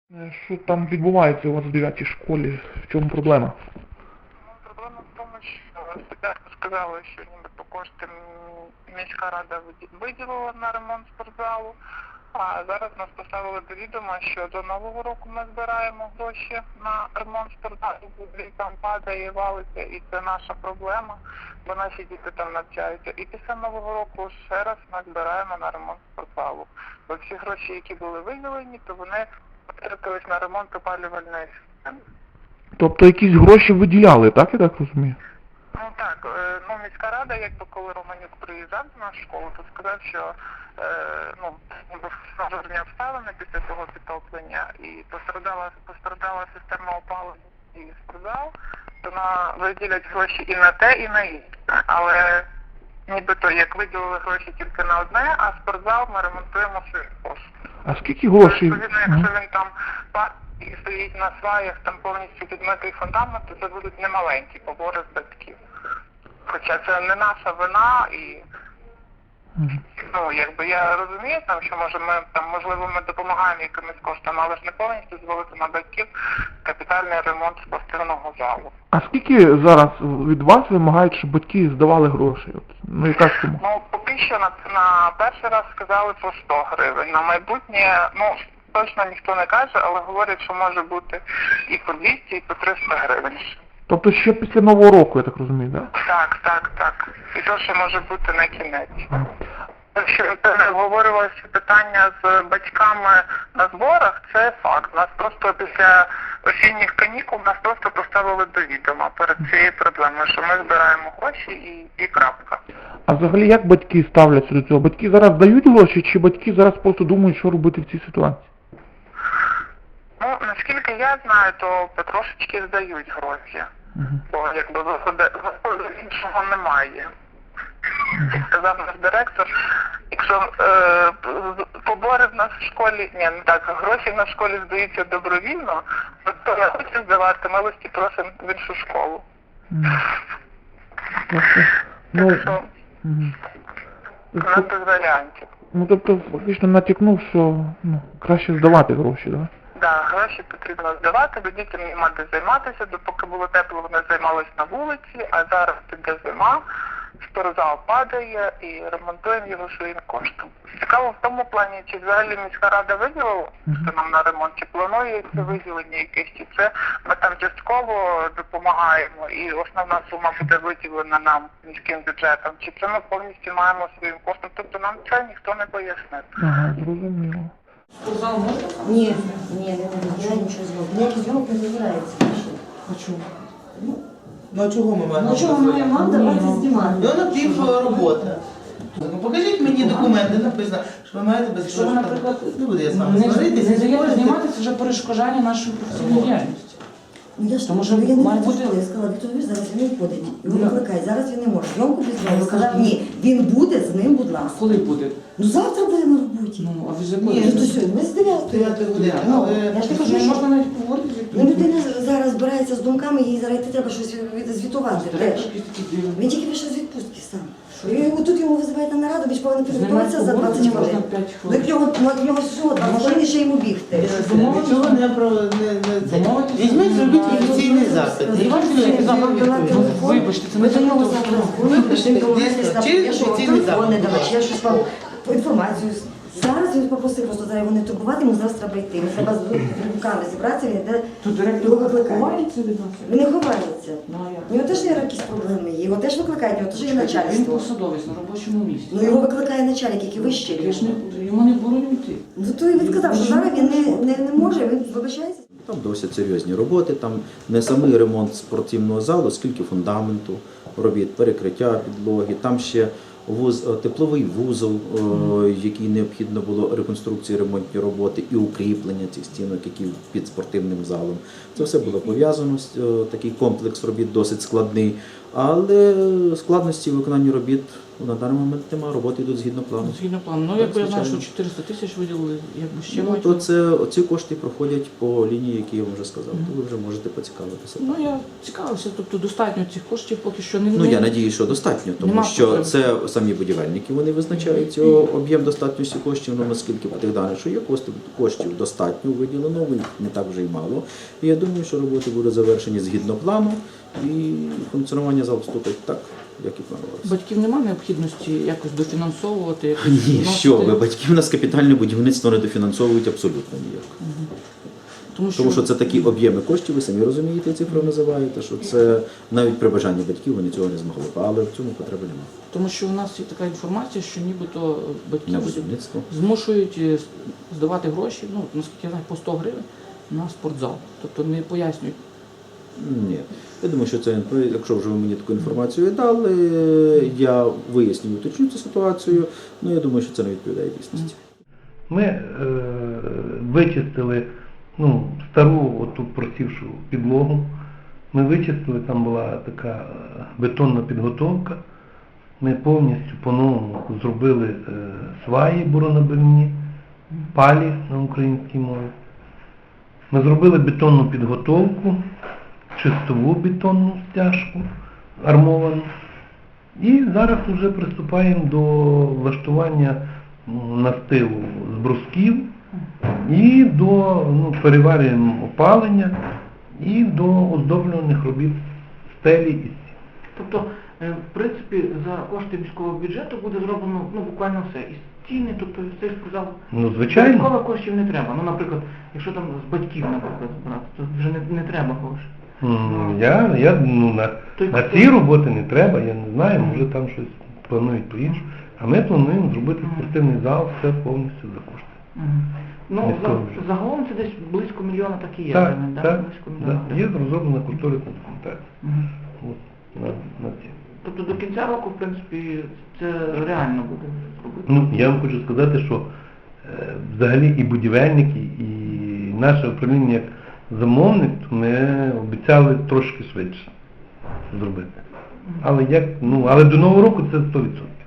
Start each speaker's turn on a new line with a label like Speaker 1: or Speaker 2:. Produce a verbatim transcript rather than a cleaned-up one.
Speaker 1: Е, Що там відбувається у вас в дев'ятій школі? В чому проблема?
Speaker 2: Ну, проблема в тому, що спочатку сказали, що нібито кошти м, міська рада виді- виділила на ремонт спортзалу, а зараз нас поставили до відома, що до Нового року ми збираємо гроші на ремонт спортзалу, бо там падає, валиться, і це наша проблема, бо наші діти там навчаються. І після Нового року ще раз ми збираємо на ремонт спортзалу. Бо всі гроші, які були виділені, то вони потрапились на ремонт опалювальної системи.
Speaker 1: Тобто якісь гроші виділяли, так я так розумію?
Speaker 2: Ну так, е, ну міська рада, якби коли Романюк приїжджав до нашу школу, то сказав, що е, ну, ніби форс-мажорні обставини після того підтоплення і пострадала, пострадала система опалення і спортзал, то на виділять гроші і на те, і на інше. Але нібито як виділили гроші тільки на одне, а спортзал ми ремонтуємо свої кошти.
Speaker 1: А скільки грошей?
Speaker 2: Відповідно, якщо він там па- і стоїть на сваях, там повністю підмитий фундамент, то це будуть немаленькі побори з батьків. Хоча це не наша вина і,
Speaker 1: Мгм.
Speaker 2: ну, якби я розумію, там, що може ми там, можливо, ми допомагаємо якимось коштами, але ж не повністю звалити на батьків капітальний ремонт спортивного залу.
Speaker 1: А скільки зараз від вас вимагають, щоб батьки здавали гроші? От, ну яка сума?
Speaker 2: Ну, поки що на, на перший раз сказали по сто гривень. На майбутнє, ну, точно ніхто не каже, але говорять, що може бути і по двісті, і по триста гривень.
Speaker 1: Тобто ще після Нового року, я так розумію, так?
Speaker 2: Так, так, так. І то, що може бути на кінець. Якщо це обговорювалося питання з батьками на зборах, це факт. Нас просто після осінніх канікул нас просто поставили до відома перед цією проблемою, що ми збираємо гроші і, і крапка.
Speaker 1: А взагалі як батьки ставляться до цього? Батьки зараз дають гроші, чи батьки зараз просто думають, що робити в цій ситуації?
Speaker 2: Ну, наскільки я знаю, то потрошечки здають гроші.
Speaker 1: Угу.
Speaker 2: Бо якби виходу виходу іншого немає. Як сказав наш директор, якщо е, побори в нас в школі, ні, не так, гроші в нас в школі здаються добровільно, то хто не хоче здавати, милості просимо в іншу школу.
Speaker 1: Тобто, ну,
Speaker 2: Так що
Speaker 1: мгм.
Speaker 2: у нас без варіантів.
Speaker 1: Ну, тобто, фактично натякнув, що ну, краще здавати гроші, так? Да?
Speaker 2: Да, гроші потрібно здавати, бо дітям нема де займатися, допоки було тепло, вони займалися на вулиці, а зараз піде зима, спортзал падає і ремонтуємо його своїм коштом. Цікаво в тому плані, чи взагалі міська рада виділила що нам на ремонт, чи планується виділення якесь, чи це ми там частково допомагаємо і основна сума буде виділена нам міським бюджетом, чи це ми повністю маємо своїм коштом, тобто нам це ніхто не пояснив.
Speaker 1: Ага, зрозуміло.
Speaker 3: Спортзал можна?
Speaker 4: Ні, ні, не буде нічого зробити. Ніякий зйомок не дозволяється.
Speaker 3: А чому?
Speaker 5: Ну а чого ми маємо?
Speaker 4: Ну чого ми маємо вам давати знімати?
Speaker 5: Ну напів робота. Ну покажіть мені документи, написано, що ви маєте без
Speaker 3: Що ви, наприклад,
Speaker 5: не буду я з вами
Speaker 3: не,
Speaker 5: сваритися.
Speaker 3: не даєте знімати, це вже перешкоджання нашої професійної діяльності.
Speaker 4: Ну я ж
Speaker 3: Тому
Speaker 4: тому,
Speaker 3: що
Speaker 4: що я не
Speaker 3: має
Speaker 4: хочу,
Speaker 3: бути-
Speaker 4: я сказала, Віктор Юрійович, зараз він виходить. Його
Speaker 3: Ну.
Speaker 4: викликай, зараз він не може. Зйомку без
Speaker 3: Ну,
Speaker 4: нього.
Speaker 3: ви
Speaker 4: Сказав,
Speaker 3: кажете.
Speaker 4: ні, він буде з ним, будь ласка.
Speaker 3: Коли буде?
Speaker 4: Ну завтра буде на роботі.
Speaker 3: Ну, а ви з
Speaker 5: Ні,
Speaker 3: якої?
Speaker 4: Ну то сьогодні, ми з дев'ятої.
Speaker 5: Дев'ятої години,
Speaker 4: Ну,
Speaker 5: але-
Speaker 4: я ж
Speaker 3: Я
Speaker 4: не
Speaker 3: кажу,
Speaker 4: кажу,
Speaker 3: що
Speaker 4: що
Speaker 3: можна навіть поговорити з
Speaker 4: ну,
Speaker 3: Віктором.
Speaker 4: людина зараз збирається з думками, їй зараз йти треба щось від- звітувати
Speaker 3: Директор
Speaker 4: теж.
Speaker 3: якийсь такий дивний.
Speaker 4: Він тільки вийшов з відпустки сам. І тут йому визивають на нараду, більш повинен
Speaker 3: З ним
Speaker 4: підготуватися за
Speaker 3: поговорити
Speaker 4: двадцять
Speaker 3: можна
Speaker 4: хвилин.
Speaker 3: п'ять
Speaker 4: Ну,
Speaker 3: хвилин.
Speaker 4: як нього, ну, як нього всього, двадцять хвилин ще йому бігти.
Speaker 5: Нічого не про не, не це.
Speaker 3: Домовитися
Speaker 5: Візьміть, зробіть
Speaker 3: немає.
Speaker 5: офіційний запит.
Speaker 4: Ну,
Speaker 3: Давайте
Speaker 4: Вибачте,
Speaker 3: я запит
Speaker 4: дала
Speaker 3: відповім.
Speaker 4: телефон.
Speaker 3: Вибачте, це
Speaker 4: Ви
Speaker 3: не
Speaker 4: до нього
Speaker 3: телефон.
Speaker 4: зараз
Speaker 5: Вибачте,
Speaker 4: ви домовитесь,
Speaker 5: дійсно,
Speaker 4: там,
Speaker 5: через
Speaker 4: я що вам
Speaker 5: офіційний
Speaker 4: телефон не
Speaker 5: запит.
Speaker 4: давати, я щось вам по інформацію. Зараз він попросив просто зараз його не турбувати, йому зараз треба йти. Йому треба з руками зібратися, він йде,
Speaker 3: Тут директор
Speaker 4: його викликає.
Speaker 3: ховається від нас?
Speaker 4: Він не ховається.
Speaker 3: Ну, а як?
Speaker 4: У нього теж є якісь проблеми, є. Його теж викликають, у нього теж є
Speaker 3: Він
Speaker 4: начальство.
Speaker 3: посадовець на робочому місці.
Speaker 4: Ну його викликає начальник, який вищий.
Speaker 3: Я ж не, йому не бороню йти.
Speaker 4: Ну то він сказав, що зараз він не, не, не може, він вибачається.
Speaker 6: Там досить серйозні роботи, там не самий ремонт спортивного залу, скільки фундаменту робіт, перекриття підлоги, там ще вуз, тепловий вузол, о, який необхідно було реконструкції, ремонтні роботи і укріплення цих стінок, які під спортивним залом. Це все було пов'язано, о, такий комплекс робіт досить складний. Але складності виконання робіт на даний момент немає, роботи йдуть згідно плану.
Speaker 3: Згідно плану. Ну,
Speaker 6: Так,
Speaker 3: якби я знаю, що
Speaker 6: звичайно.
Speaker 3: чотириста тисяч виділили, якби ще
Speaker 6: Ну,
Speaker 3: мають.
Speaker 6: то це, ці кошти проходять по лінії, які я вам вже сказав, то ви вже можете поцікавитися.
Speaker 3: Ну, я цікавився, тобто достатньо цих коштів поки що не...
Speaker 6: Ну, я надію, що достатньо, тому
Speaker 3: Нема
Speaker 6: що
Speaker 3: потреби.
Speaker 6: це самі будівельники, вони визначають цього об'єм достатньості коштів, ну, наскільки по тих даних, що є коштів, коштів достатньо виділено, їх не так вже й мало. І я думаю, що роботи будуть завершені згідно плану, і функціонування залу вступить так, як і планувалося.
Speaker 3: Батьків немає необхідності якось дофінансовувати, якось
Speaker 6: Ні,
Speaker 3: вносити?
Speaker 6: що ви, батьків у нас капітальне будівництво не дофінансовують абсолютно ніяк.
Speaker 3: Тому що,
Speaker 6: Тому що це такі об'єми коштів, ви самі розумієте, цифри називаєте, що це навіть при бажанні батьків вони цього не змогли б, але в цьому потреби немає.
Speaker 3: тому що у нас є така інформація, що нібито
Speaker 6: На
Speaker 3: батьків
Speaker 6: будівництво.
Speaker 3: змушують е, здавати гроші, ну, наскільки я знаю, по сто гривень на спортзал. Тобто не пояснюють.
Speaker 6: Ні. Я думаю, що це, якщо вже ви мені таку інформацію дали, я виясню, уточню цю ситуацію, ну я думаю, що це не відповідає дійсності.
Speaker 1: Ми е, вичистили ну, стару оту просівшу підлогу. Ми вичистили, там була така е, бетонна підготовка. Ми повністю по-новому зробили е, сваї буронабивні, палі на українській мові. Ми зробили бетонну підготовку, чистову бетонну стяжку армовану. І зараз вже приступаємо до влаштування м, настилу з брусків і до ну, переварюємо опалення і до оздоблюваних робіт стелі і стін.
Speaker 3: Тобто, е, в принципі, за кошти міського бюджету буде зроблено ну, буквально все. І стіни, тобто цей сказав,
Speaker 1: Ну, звичайно.
Speaker 3: додатково коштів не треба. Ну, наприклад, якщо там з батьків, наприклад, збирати, то вже не, не треба грошей.
Speaker 1: М, Я, я ну, на,
Speaker 3: Той-
Speaker 1: на ці роботи не треба, я не знаю, може там щось планують по-іншому. А ми плануємо зробити спортивний зал, все повністю за кошти.
Speaker 3: Мгм. Ну,
Speaker 1: Міського
Speaker 3: за,
Speaker 1: бюджету.
Speaker 3: загалом це десь близько мільйона так і є.
Speaker 1: Так,
Speaker 3: правильно, да?
Speaker 1: так,
Speaker 3: Близько
Speaker 1: да.
Speaker 3: мільйона
Speaker 1: Є
Speaker 3: гривень.
Speaker 1: розроблена кошторисна документація.
Speaker 3: Мгм.
Speaker 1: От, на, на ці.
Speaker 3: Тобто до кінця року, в принципі, це реально буде зробити.
Speaker 1: Ну, я вам хочу сказати, що е, взагалі і будівельники, і наше управління як замовник, то ми обіцяли трошки швидше зробити. Але як, ну, але до Нового року це сто відсотків.